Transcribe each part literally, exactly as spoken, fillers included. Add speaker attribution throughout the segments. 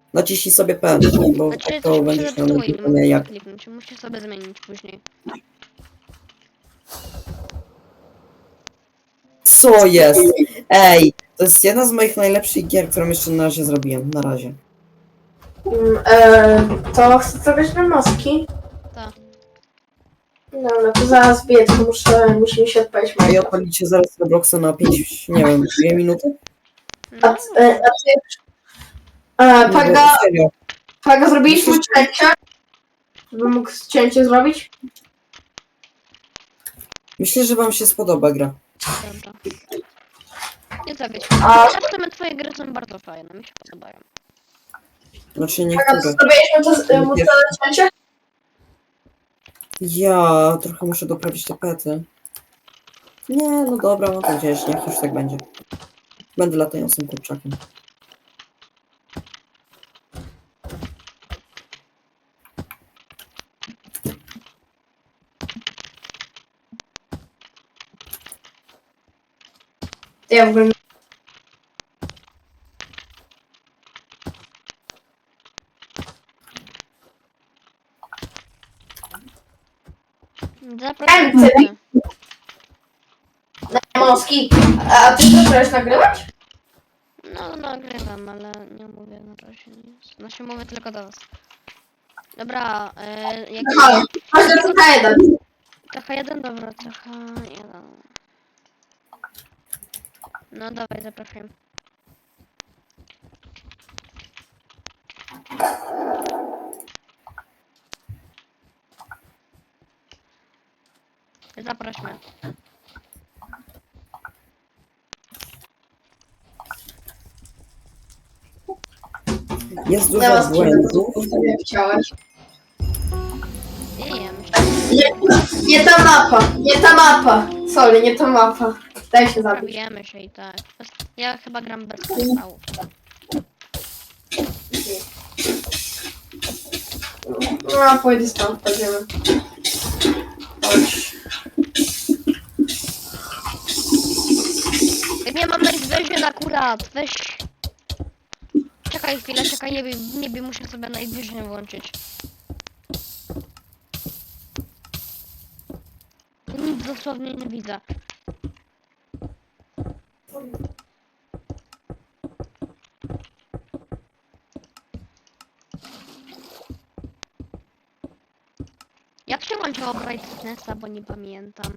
Speaker 1: naciśnij sobie P, bo
Speaker 2: Znaczy,
Speaker 1: to
Speaker 2: to
Speaker 1: będziesz miał
Speaker 2: zepsuło i nie
Speaker 1: napisane
Speaker 2: mogę
Speaker 1: jak.
Speaker 2: kliknąć. Musisz sobie zmienić później.
Speaker 1: Co jest? Ej, to jest jedna z moich najlepszych gier, którą jeszcze na razie zrobiłem. Na razie.
Speaker 3: Mm, e, to chcę zrobić na maski.
Speaker 2: Tak.
Speaker 3: No, no to zaraz biec, to muszę, musi mi się odpalić
Speaker 1: A i
Speaker 3: Minecraft.
Speaker 1: odpalicie zaraz Robloxa na pięć, nie wiem, dwie minuty?
Speaker 3: A,
Speaker 2: No,
Speaker 3: t- e, a ty... E,
Speaker 1: Nie, bo
Speaker 3: Paga,
Speaker 1: serio.
Speaker 3: Paga, zrobiliśmy cięcie? Żeby mógł cięcie zrobić?
Speaker 1: Myślę, że wam się spodoba gra.
Speaker 2: dobra. Nie zabić.
Speaker 3: A-
Speaker 2: Zresztą twoje gry są bardzo fajne, mi się podobają.
Speaker 1: Znaczy
Speaker 3: Paga,
Speaker 1: niektóre.
Speaker 3: zrobiliśmy to e, mocne cięcie?
Speaker 1: Ja trochę muszę doprawić te pety. Nie, no dobra, no to gdzieś, niech już tak będzie. Będę latającym kurczakiem.
Speaker 3: Ja w ogóle...
Speaker 2: Zapraszam.
Speaker 3: Chęty. Moski. A ty też chcesz nagrywać?
Speaker 2: No, nagrywam, ale nie mówię na razie nic. Znaczy mówię tylko do was. Dobra, e, jak...
Speaker 3: Halo, masz do C H jeden.
Speaker 2: Trochę jeden, dobra, trochę jeden. No dawaj, zapraszam. Zaprośmy.
Speaker 1: Jest
Speaker 3: Ja
Speaker 1: dużo
Speaker 3: was
Speaker 1: błędów.
Speaker 3: nie chciałeś.
Speaker 2: Nie, ja myślę,
Speaker 3: Nie, nie ta mapa, nie ta mapa. Sorry, nie ta mapa. Daj się
Speaker 2: że
Speaker 3: zabić.
Speaker 2: zabijemy się i tak. Ja chyba gram bez kryształów.
Speaker 3: No, pójdę stąd, pójdziemy. Chodź.
Speaker 2: Nie mam Night Vision akurat, weź. Czekaj chwilę, czekaj, nie wiem, nie wiem, muszę sobie Night Vision włączyć. Nic dosłownie nie widzę. Jak się włączyło Brightnessa, bo nie pamiętam.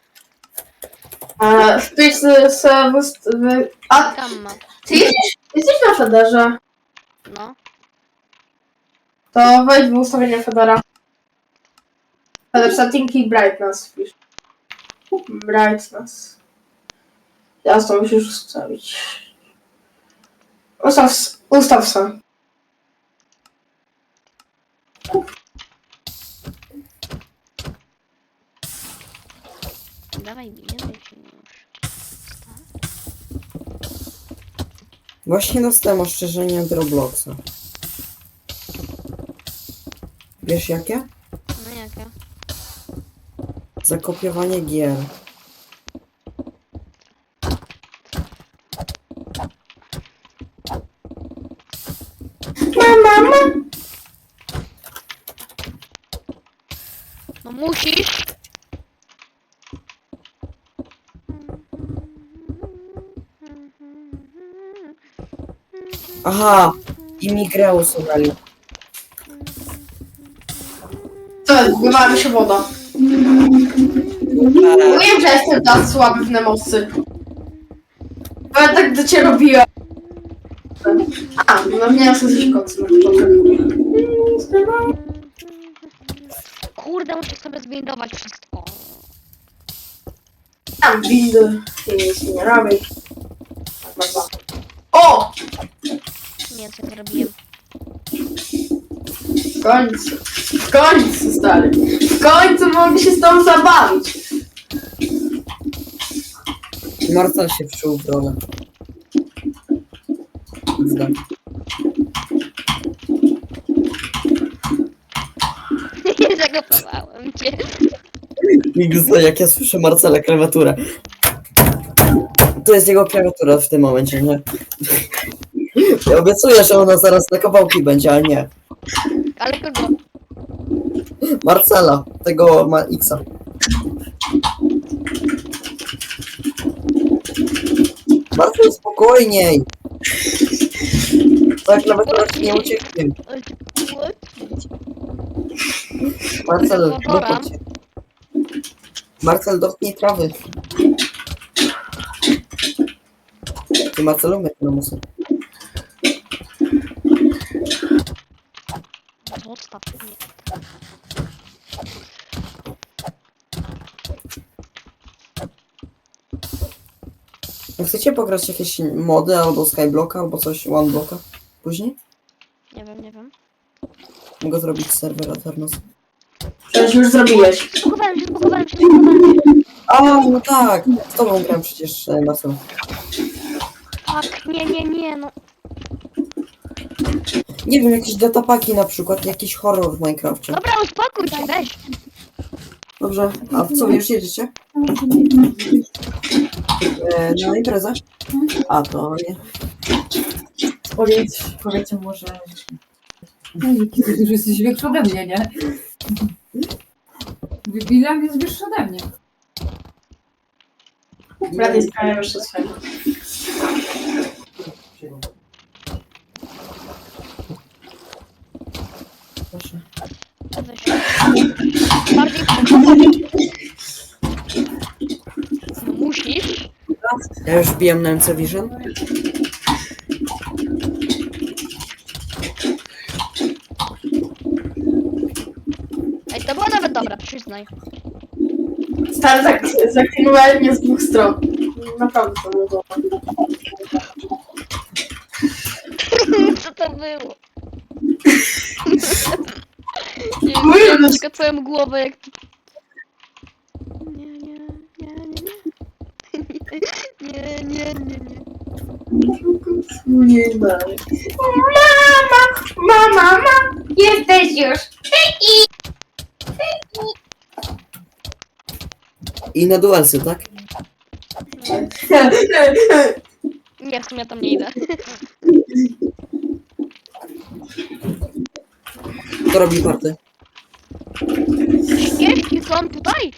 Speaker 3: A, wpisz z, z, z, z, a
Speaker 2: Gamma,
Speaker 3: ty jesteś, jesteś na Federze.
Speaker 2: no.
Speaker 3: To wejdź w ustawienia Federa. Feder setting i brightness wpisz. Brightness. Ja to musisz ustawić. Ustaw, ustaw sam.
Speaker 2: Dawaj, bijemy się już.
Speaker 1: Właśnie dostałem ostrzeżenie od Robloxa. Wiesz jakie?
Speaker 2: No jakie?
Speaker 1: Zakopiowanie gier.
Speaker 3: Mama.
Speaker 2: No musisz!
Speaker 1: Aha! I mi grę usuwali.
Speaker 3: To wywała mi się woda. Wiem, że jestem tak słaby w Nemosy. Bo ja tak do ciebie robiłem. A, no miałem sobie coś kocy na początek.
Speaker 2: Kurde, muszę sobie zbindować wszystko.
Speaker 3: Tam windy. Nic nie robię. O!
Speaker 2: Nie, co zrobiłem.
Speaker 3: W końcu. W końcu, stary. W końcu mogę się z tobą zabawić.
Speaker 1: Marcel się wczuł w rolę. Zda.
Speaker 2: Nie zakopowałem cię.
Speaker 1: Migzo, jak ja słyszę Marcela klawiaturę. To jest jego klawiatura w tym momencie, nie? Ja obiecuję, że ona zaraz na kawałki będzie, ale nie.
Speaker 2: Ale kogo?
Speaker 1: Marcela, tego ma X-a. Marcel, spokojniej! Tak nawet teraz nie ucieknie.
Speaker 2: Ale ty płeć.
Speaker 1: Marcel,
Speaker 2: Powora.
Speaker 1: dochodź. Marcel, dotknij trawy. Ty Marcelu, mnie na musu.
Speaker 2: Zostaw mnie.
Speaker 1: Chcecie pograć jakieś mody albo Skyblocka, albo coś OneBlocka później?
Speaker 2: Nie wiem, nie wiem.
Speaker 1: Mogę zrobić serwer Aternos.
Speaker 3: Przecież już zrobiłeś.
Speaker 2: Spokowałem się, spokowałem się, spokowałem się.
Speaker 1: A, no tak! Z tobą grałem przecież, e, Marcel.
Speaker 2: Tak, nie, nie, nie, no.
Speaker 1: Nie wiem, jakieś datapaki na przykład, jakiś horror w Minecrafcie.
Speaker 2: Dobra, uspokój się, weź.
Speaker 1: Dobrze, a w co wy już jedziecie? E, na imprezę? A, to nie.
Speaker 4: Powiedz, powiedzcie mu, że... No i ty już jesteś większy ode mnie, nie? William jest wyższy ode mnie.
Speaker 3: Brat jest prawie jeszcze swego.
Speaker 1: Proszę.
Speaker 2: Weź. Bardziej przekonać. Musisz.
Speaker 1: Ja już wbijam na M C Vision.
Speaker 2: Ej, to było nawet dobre, przyznaj.
Speaker 3: Stary, tak zaktywowałem mnie z dwóch stron. Naprawdę to było dobre.
Speaker 2: Co to było? Nie
Speaker 3: Mówię,
Speaker 2: wiem,
Speaker 3: że-
Speaker 2: tylko twoją głowę jak... Nie, nie, nie, nie, nie. Nie, nie, nie, nie.
Speaker 3: Nie dalej. Mama! Mama! Mama! Jesteś już!
Speaker 1: I na duelsy, tak?
Speaker 2: Nie, w sumie tam nie idę.
Speaker 1: Kto robi party?
Speaker 2: Jeśli są tutaj!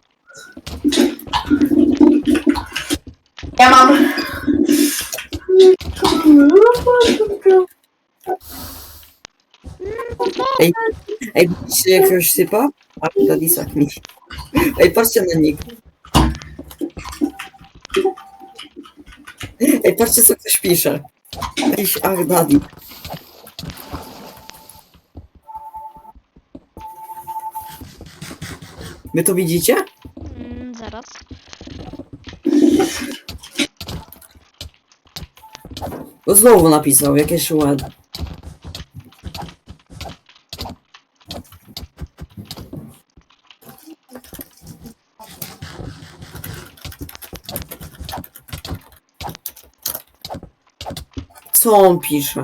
Speaker 3: Ja mam...
Speaker 1: Ej, ej, widzicie jakiegoś sypa? A, Dadisak mi. Ej, patrzcie na nick. Ej, patrzcie co ktoś pisze. Jakiś ach, Dadi. Wy to widzicie?
Speaker 2: Mm, zaraz.
Speaker 1: Bo znowu napisał jakieś ład. Co on pisze?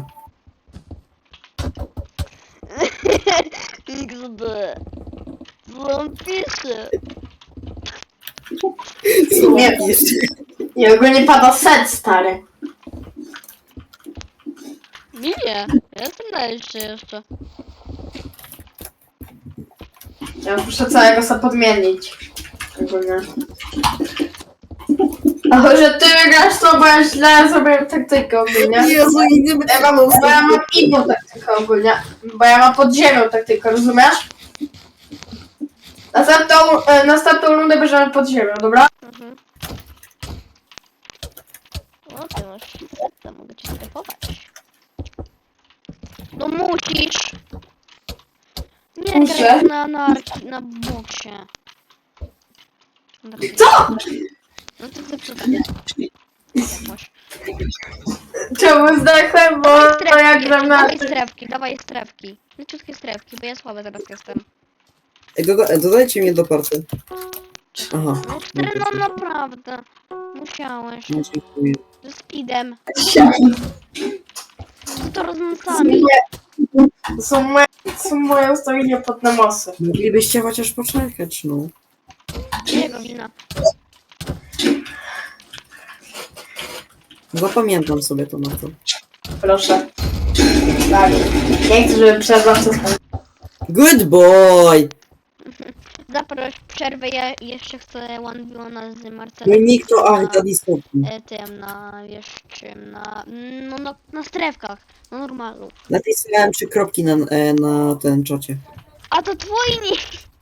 Speaker 2: iks de. Co on pisze?
Speaker 1: Co on
Speaker 3: Nie.
Speaker 1: pisze?
Speaker 3: I ogólnie pada set, stary.
Speaker 2: Mi nie. Ja jestem na liście jeszcze.
Speaker 3: Ja muszę całego sobie podmienić. Ogólnie. A że ty wygrasz to, bo ja źle zrobiłem taktykę ogólnie.
Speaker 1: Jezu, i nie
Speaker 3: Ja mam, bo ja mam inną taktykę ogólnie. Bo ja mam pod ziemią taktykę, rozumiesz? Następną, e, następną rundę bierzemy pod ziemią, dobra?
Speaker 2: Mhm. O, ty masz. To mogę ci sklepować. No musisz! Nie
Speaker 3: Muszę?
Speaker 2: graj na narki, na boksie.
Speaker 3: Co?
Speaker 2: No to ty co tam? Masz.
Speaker 3: Czemu zdechłem, bo to ja gram na...
Speaker 2: Dawaj strefki, dawaj strefki. Leciutkie strefki, bo ja słaby teraz jestem.
Speaker 1: Ej, doda dodajcie mnie do party. Aha.
Speaker 2: No cztery, no naprawdę. Musiałeś.
Speaker 1: No, dziękuję.
Speaker 2: Ze speedem. Z tornusami.
Speaker 3: To są moje, to są moje ustawienia pod namosy.
Speaker 1: Moglibyście chociaż poczekać, no.
Speaker 2: Jego wina.
Speaker 1: Zapamiętam sobie to na to.
Speaker 3: Proszę. Tak. Nie chcę, żeby przerwa wszystko.
Speaker 1: Good boy!
Speaker 2: Zaproś przerwę, ja jeszcze chcę one v one z
Speaker 1: No
Speaker 2: Marcelem.
Speaker 1: i nikt to, ach,
Speaker 2: na,
Speaker 1: daddy stopni.
Speaker 2: e, tym, na, wiesz czym, na, no, no, na strefkach, na normalu.
Speaker 1: Napisałem trzy kropki na, e, na ten czacie.
Speaker 2: A to twój nie.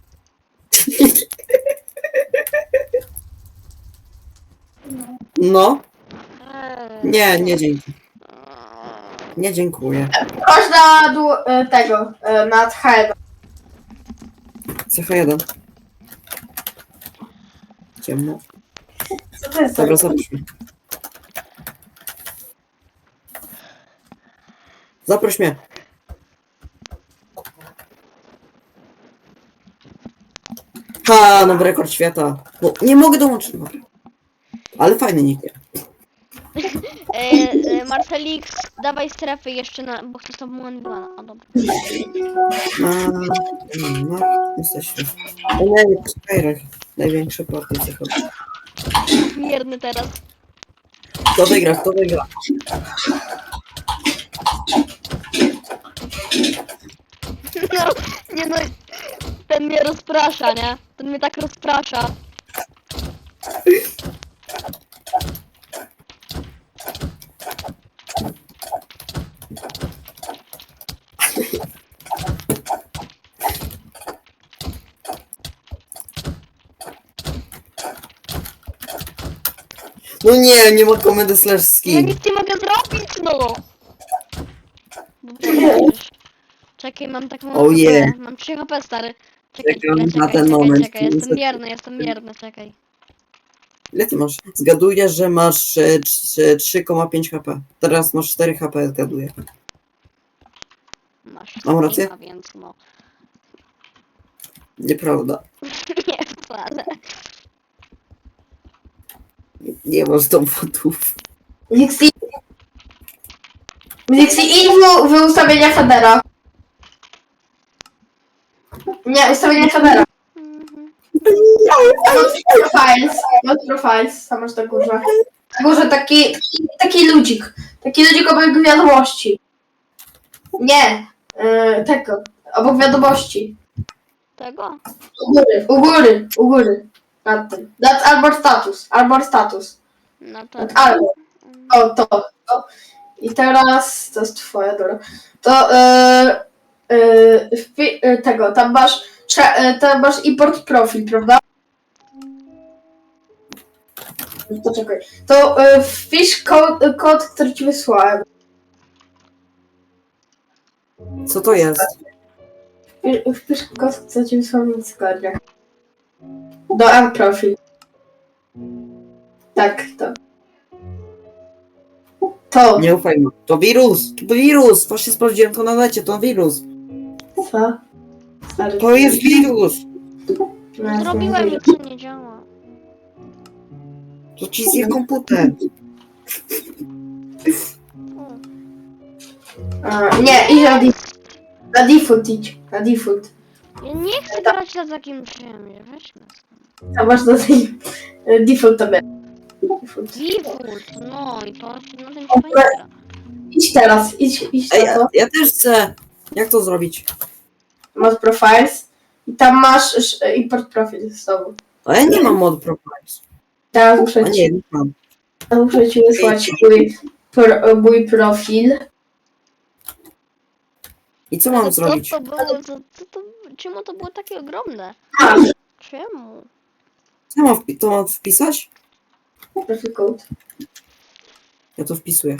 Speaker 1: No, nie, nie dzięki. Nie dziękuję.
Speaker 3: Chodź na dół e, tego, e, nad H jeden.
Speaker 1: C H jeden. Ciemno.
Speaker 3: Co to jest?
Speaker 1: Dobra, zaproś mnie. Zaproś mnie. Ha, nowy rekord świata. No, nie mogę dołączyć. Dobra. Ale fajny nick.
Speaker 2: E, e, Marcelix, dawaj strefy jeszcze na, bo chcę z tobą one v one. O dobra.
Speaker 1: No, no, jesteśmy. O nie, nie, Skyrach. Największy party zachodzi.
Speaker 2: Mierny teraz.
Speaker 1: Kto wygra, kto wygra?
Speaker 2: No, nie no, ten mnie rozprasza, nie? Ten mnie tak rozprasza.
Speaker 1: No nie, nie ma komendy slash
Speaker 2: Ja
Speaker 1: skin.
Speaker 2: nic nie mogę zrobić, no! Bo przecież- Czekaj, mam taką
Speaker 1: Oh yeah.
Speaker 2: H P, mam trzy H P, stary. Czekaj,
Speaker 1: Czekam
Speaker 2: czekaj,
Speaker 1: na
Speaker 2: czekaj,
Speaker 1: ten
Speaker 2: czekaj,
Speaker 1: moment.
Speaker 2: czekaj, jestem mierny, jestem mierny, czekaj.
Speaker 1: Ile ty masz? Zgaduję, że masz e, trz- trzy przecinek pięć H P. Teraz masz cztery H P, zgaduję.
Speaker 2: Masz
Speaker 1: Mam rację?
Speaker 2: streama, więc no.
Speaker 1: Nieprawda.
Speaker 2: Nie wcale.
Speaker 1: Nie masz dowodów.
Speaker 3: Nixie. Nixie, idź w, w ustawienia Federa. Nie, ustawienia Federa.
Speaker 2: Mhm.
Speaker 3: Not profiles. Not profiles. Tam masz na górze. Na górze taki, taki ludzik. Taki ludzik obok wiadomości. Nie. Yy, tego. Obok wiadomości.
Speaker 2: Tego?
Speaker 3: U góry, u góry, u góry. Nad tym. Nad Arbor Status. Arbor Status.
Speaker 2: No to...
Speaker 3: Nad Arbor. O, to, to. I teraz, to jest twoja, dobra. To, yy, yy, wpi- yy, tego, tam masz, trze- yy, tam masz import profil, prawda? To czekaj. To yy, wpisz kod, kod, który ci wysłałem.
Speaker 1: Co to jest?
Speaker 3: Wpi- Wpisz kod, który ci wysłałem w Discordzie. Do M profil. Tak, to. To.
Speaker 1: Nie ufaj mu. To wirus! To wirus! Właśnie sprawdziłem to na necie, to wirus.
Speaker 3: Co? Stary,
Speaker 1: To jest wirus!
Speaker 3: No,
Speaker 2: Zrobiłem
Speaker 3: nie
Speaker 2: i co nie działa.
Speaker 1: To ci zje komputer.
Speaker 2: O.
Speaker 3: A, nie, idź na default. Na default idź. Na default.
Speaker 2: Ja nie chcę grać na takim czymś, weźmy stąd.
Speaker 3: A masz na tej default tabie. Default.
Speaker 2: Default, no i to się na tym się fajnie gra.
Speaker 3: Idź teraz, idź, idź
Speaker 1: Ej,
Speaker 3: na
Speaker 1: ja,
Speaker 3: to.
Speaker 1: ja też chcę. Jak to zrobić?
Speaker 3: Masz profiles. I tam masz sz- import profil z tobą.
Speaker 1: A ja nie mam mod profiles.
Speaker 3: Teraz
Speaker 1: A
Speaker 3: muszę
Speaker 1: nie,
Speaker 3: ci,
Speaker 1: nie mam.
Speaker 3: muszę ci wysłać mój, pro, mój profil.
Speaker 1: I co
Speaker 2: Ale
Speaker 1: mam zrobić?
Speaker 2: Co to było, co, co to, czemu to było takie ogromne?
Speaker 3: A,
Speaker 2: Czemu?
Speaker 1: Co mam wpi- to mam wpisać?
Speaker 3: profil code.
Speaker 1: Ja to wpisuję.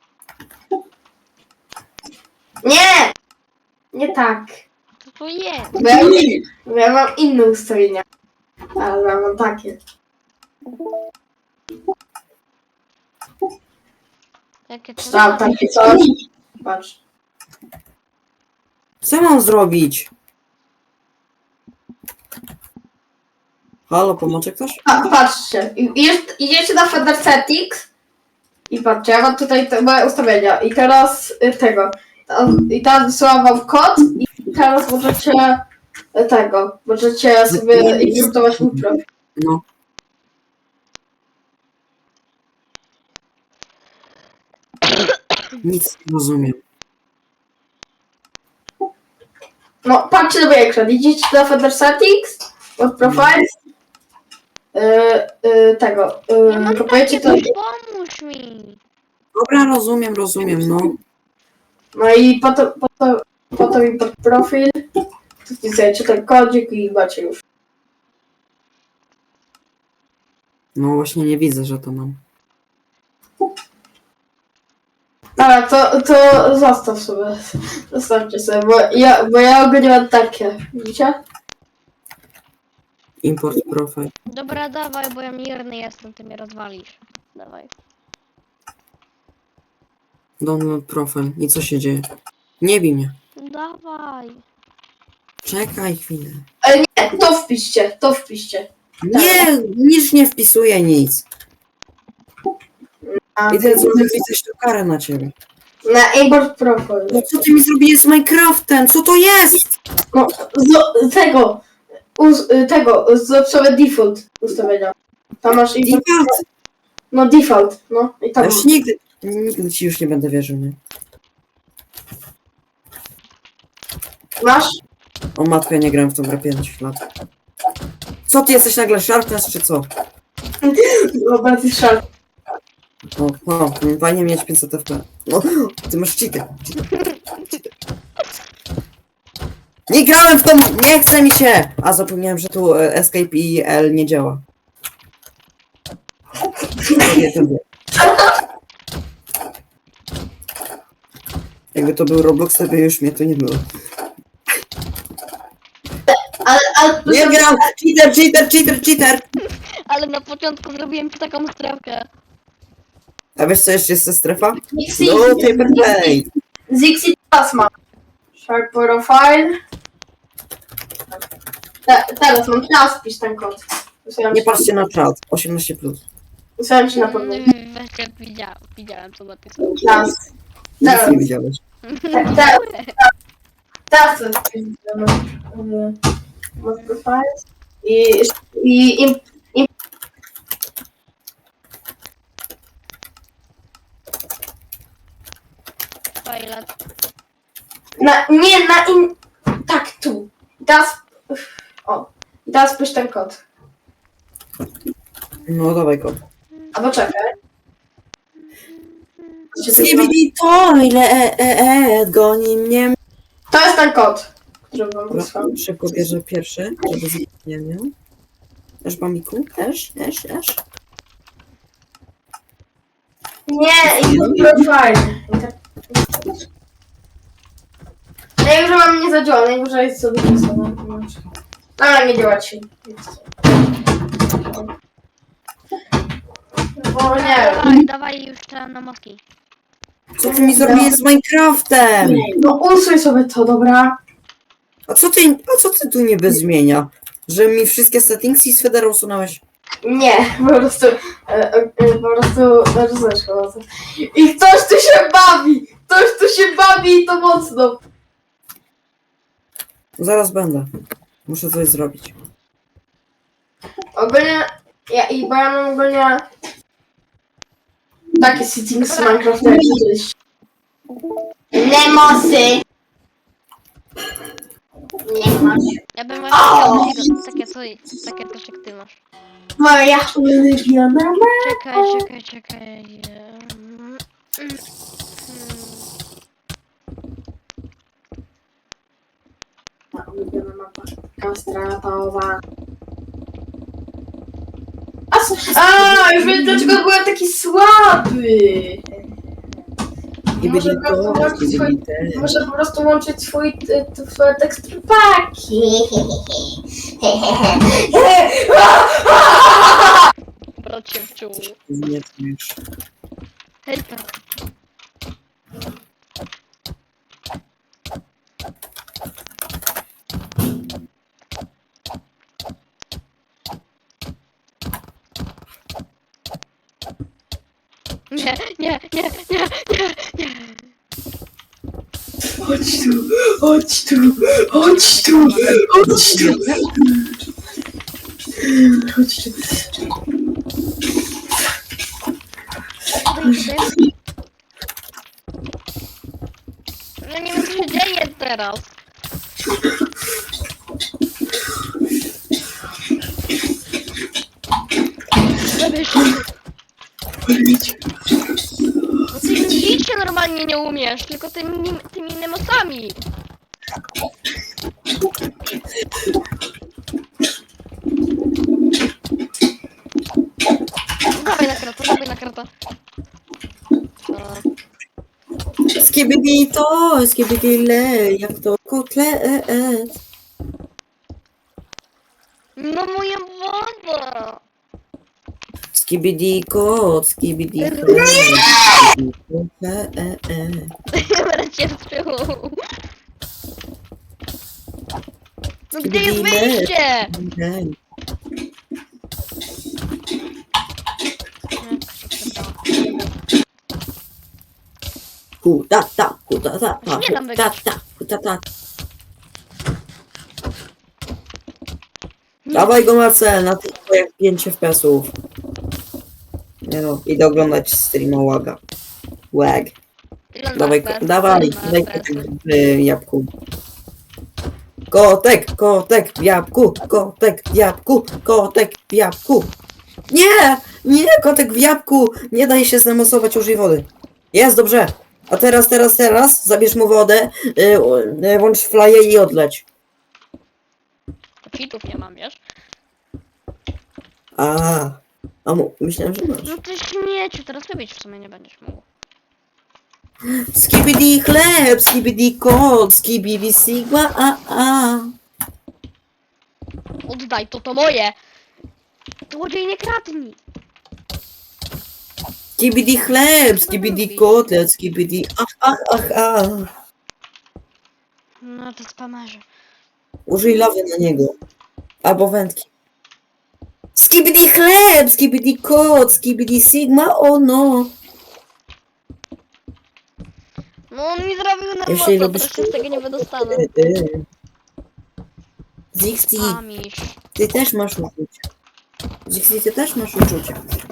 Speaker 3: Nie! Nie tak.
Speaker 2: Co to jest?
Speaker 3: Bo ja, bo ja mam inne ustawienia. Ale ja mam takie.
Speaker 2: Jakie to
Speaker 3: Tam takie coś. Patrz.
Speaker 1: Co mam zrobić? Halo, pomoże ktoś?
Speaker 3: A, patrzcie, I- jest, idziecie na Feder Settings i patrzcie, ja mam tutaj te moje ustawienia i teraz y, tego, Tam- i teraz wysyłam wam kod i teraz możecie y, tego, możecie sobie importować mój profil.
Speaker 1: No. Nic nie rozumiem.
Speaker 3: No, patrzcie na mój ekran. Idziecie do Feather Settings, od Profiles. Yy, yy, tego.
Speaker 2: Nie
Speaker 3: Yy,
Speaker 2: mam
Speaker 3: kopujecie to.
Speaker 2: takiego, pomóż mi.
Speaker 1: Dobra, rozumiem, rozumiem, no.
Speaker 3: No i po to, po to, po to mi pod profil. Tu wpisujecie ten kodzik i macie już.
Speaker 1: No właśnie nie widzę, że to mam.
Speaker 3: Dobra, to, to zostaw sobie. Zostawcie sobie, bo ja, bo ja ogólnie mam takie. Widzicie?
Speaker 1: Import profile.
Speaker 2: Dobra, dawaj, bo ja mierny jestem, ty mnie rozwalisz. Dawaj.
Speaker 1: Download profile. I co się dzieje? Nie bij mnie.
Speaker 2: Dawaj.
Speaker 1: Czekaj chwilę.
Speaker 3: Ale nie, to wpiszcie, to wpiszcie.
Speaker 1: Nie, nic nie wpisuję, nic.
Speaker 3: A,
Speaker 1: I ten zrobił coś tu karę na ciebie.
Speaker 3: na import profil.
Speaker 1: No co ty mi zrobiłeś z Minecraftem? Co to jest?
Speaker 3: No, z tego, uz, tego, z sobie default ustawienia. Tam masz import,
Speaker 1: Default.
Speaker 3: no default, no i
Speaker 1: Ja
Speaker 3: tam.
Speaker 1: już nigdy, nigdy ci już nie będę wierzył, nie?
Speaker 3: Masz?
Speaker 1: O matko, ja nie grałem w tą grę pięć lat. Co ty jesteś nagle Sharpness czy co?
Speaker 3: Dobra, ty szal.
Speaker 1: O, o, fajnie mieć pięćset F P. No, ty masz cheater. Nie grałem w tą, nie chce mi się! A zapomniałem, że tu e, Escape i L nie działa. Nie, to nie. Jakby to był Roblox, to by już mnie tu nie było.
Speaker 3: Ale, ale
Speaker 1: Nie gram! Cheater, cheater, cheater, cheater!
Speaker 2: Ale na początku zrobiłem ci taką strefkę.
Speaker 1: A wiesz co jeszcze jest ta strefa?
Speaker 3: Zixi,
Speaker 1: No, paper plate!
Speaker 3: Zixi teraz ma. Shark profile. Te, teraz mam, teraz wpisz ten kod. Wysłałem
Speaker 1: Nie
Speaker 3: ci-
Speaker 1: patrzcie na czat. osiemnaście plus.
Speaker 3: Wysłałem ci na pewno.
Speaker 2: Weźcie, widziałem, widziałem co na tych
Speaker 3: Teraz.
Speaker 1: Nic
Speaker 3: Teraz.
Speaker 1: nie widziałeś.
Speaker 3: Te- Teraz. Teraz to wpisz. Mod profile. I, i im,
Speaker 2: Fajle.
Speaker 3: na, nie, na in... Tak, tu. Teraz... O. I teraz wpisz ten kod.
Speaker 1: No dawaj go.
Speaker 3: A poczekaj.
Speaker 1: Skibidi toilet, e, e, goni mnie.
Speaker 3: To jest ten kod, który wam
Speaker 1: Dobra,
Speaker 3: wysłałem.
Speaker 1: szybko bierze pierwszy, żeby nie miał. Też bamiku, też, też, też.
Speaker 3: Nie, i profile. Najwyżej mam nie zadziała, najwyżej jest sobie pisane. Ale nie działa ci. Bo nie
Speaker 2: Dawaj, dawaj już te na moski.
Speaker 1: Co ty mi zrobiłeś z Minecraftem?
Speaker 3: No usuń sobie to, dobra?
Speaker 1: A co ty, a co ty tu niby zmienia? Że mi wszystkie settingsy z Federa usunąłeś?
Speaker 3: Nie, po prostu, e, e, po prostu, rozumiesz chyba co. I ktoś tu się bawi! Ktoś tu się bawi i to mocno!
Speaker 1: Zaraz będę. Muszę coś zrobić.
Speaker 3: Ogólnie, ja, i bo ja mam ogólnie takie settings z Minecrafta jak kiedyś. Nemosy! Nie masz.
Speaker 2: Ja bym właśnie chciał takiego, takie coś, takie coś jak ty masz.
Speaker 3: Moja ulubiona mama.
Speaker 2: Czekaj, czekaj, czekaj. Mm, mm,
Speaker 3: Moja ulubiona mapa. Kastratowa. A, s- a, już wiem dlaczego byłem taki słaby.
Speaker 1: I
Speaker 3: Może
Speaker 1: byli
Speaker 3: po prostu
Speaker 1: to,
Speaker 3: łączyć
Speaker 1: i
Speaker 3: swój,
Speaker 1: byli te.
Speaker 3: muszę po prostu łączyć swój, t- t- swoje teksturpaki.
Speaker 2: Brać się w czuł.
Speaker 1: Nie, to już.
Speaker 2: Hej, tak. Nie, nie, nie, nie, nie, nie.
Speaker 3: Chodź tu, chodź tu, chodź tu, chodź tu. Chodź tu.
Speaker 2: Wyjdź, teraz. Zabierz się. No ty bić się normalnie nie umiesz, tylko tymi, tymi nemosami. Dawaj na krata, dawaj na krata. Tak.
Speaker 1: Skibidi to, skibidi le, jak to kotlet.
Speaker 2: No moja woda!
Speaker 1: Skibidi kot, skibidi chleb.
Speaker 2: Będę cię wstrzymał. No gdzie jest
Speaker 1: Skibidi le.
Speaker 2: wyjście?
Speaker 1: Kutata, kutata,
Speaker 2: Ja się nie dam
Speaker 1: kutata, kutata. Dawaj go Marcel, na tych twoich pięć F P S-ów. Nie no, idę oglądać streama Łaga. Łag. Dawaj, ko- dawaj, daj kotek w y, jabłku. Kotek, kotek w jabłku, kotek w jabłku, kotek w jabłku. Nie, nie, kotek w jabłku. Nie daj się znemosować, użyj wody. Jest, dobrze. A teraz, teraz, teraz, zabierz mu wodę, y, y, włącz flaję i odleć.
Speaker 2: Cheatów nie mam, wiesz?
Speaker 1: A, a mu, myślałem, że masz.
Speaker 2: No ty śmieciu, teraz wybić w sumie nie będziesz mógł.
Speaker 1: Skibidi chleb, skibidi kot, skibidi sigma, a, a.
Speaker 2: Oddaj, to to moje! Złodziej nie kradnij!
Speaker 1: Skibidi chleb, skibidi kotlet, skibidi ach, ach, ach, ach.
Speaker 2: No to spamerze.
Speaker 1: Użyj lawy na niego. Albo wędki. Skibidi chleb, skibidi kot, skibidi sigma, o no.
Speaker 2: No on mi zrobił na
Speaker 1: Jeśli
Speaker 2: moco,
Speaker 1: lubisz
Speaker 2: teraz się z tego nie wydostanę.
Speaker 1: Y, y. Zixi,
Speaker 2: Amiś.
Speaker 1: ty też masz uczucie. Zixi, ty też masz uczucie.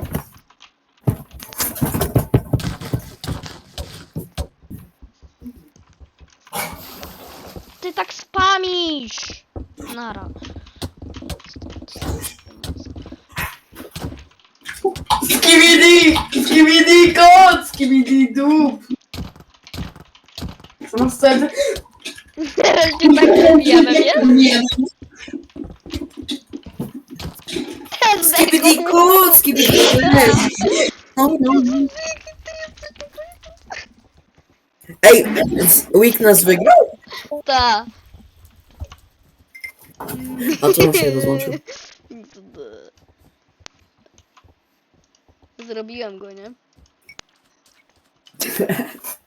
Speaker 2: Ty tak spamisz! Nara.
Speaker 3: Skibidi! Skibidi kot! Skibidi dup! Co masz wtedy?
Speaker 2: Teraz się tak zabijamy, wiesz?
Speaker 3: Nie.
Speaker 1: Skibidi kot, skibidi chleb. No, no. Ej, Week nas wygrał?
Speaker 2: Ta.
Speaker 1: A co on się rozłączył?
Speaker 2: Zrobiłem go, nie?